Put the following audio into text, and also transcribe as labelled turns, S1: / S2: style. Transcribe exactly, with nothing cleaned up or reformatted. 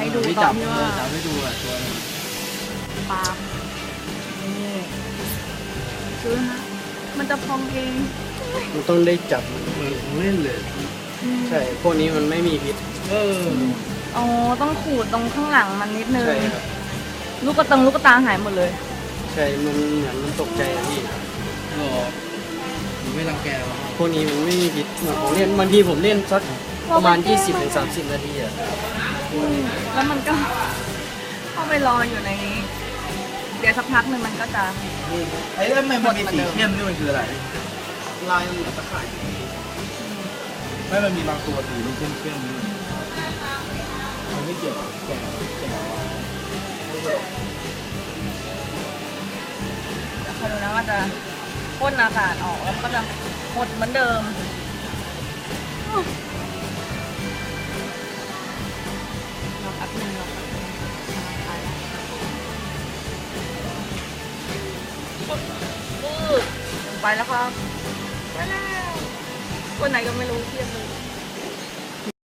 S1: ให้ดู
S2: ที่
S1: ตอ
S2: จั
S1: น
S2: บ
S1: ที่
S2: เอ
S1: ว่า
S2: อจับให้ดูอ่ะตัวนึง
S1: ปาล์มนี่ซื้อนะมันจะพองเอง
S3: มันต้องได้จับ
S2: เหมือนของเล่นเลย
S3: ใช่พวกนี้มันไม่มีพิษ
S2: เออ
S1: อ๋อต้องขูดตรงข้างหลังมันนิดนึง
S3: ใช่ครับ
S1: ลูกกระตังลูกกระตาหายหมดเลย
S3: ใช่มันเหมือนมันตกใจอะพี่
S2: หรอหนูไม่รังแกหรอ
S3: พวกนี้มันไม่มีพิษเหมือนผมเล่นบางทีผมเล่นสักประมาณ ยี่สิบถึงสามสิบ นาทีอะ
S1: แล้วมันก็เข้าไปรออยู่ในนี้ เดี๋ยวสักพักหนึ่งมันก็จะ
S2: ไอ้แล้วทำไมมันมีสีเข้มนี่มันคืออะไร
S3: ลายมันเหมือนตะข่าย
S2: ไม่มันมีบางตัวสีมันเข้มเข้มๆนี่มันไม่เกี่ยวกับแกะแกะ
S1: คอยดูนะว่าจะพ่นอากาศออกแล้วก็จะหมดเหมือนเดิมรอแป๊บนึงรอแป๊บนึงปึ๊บลงไปแล้วครับไปแล้วคนไหนก็ไม่รู้เทียบเลย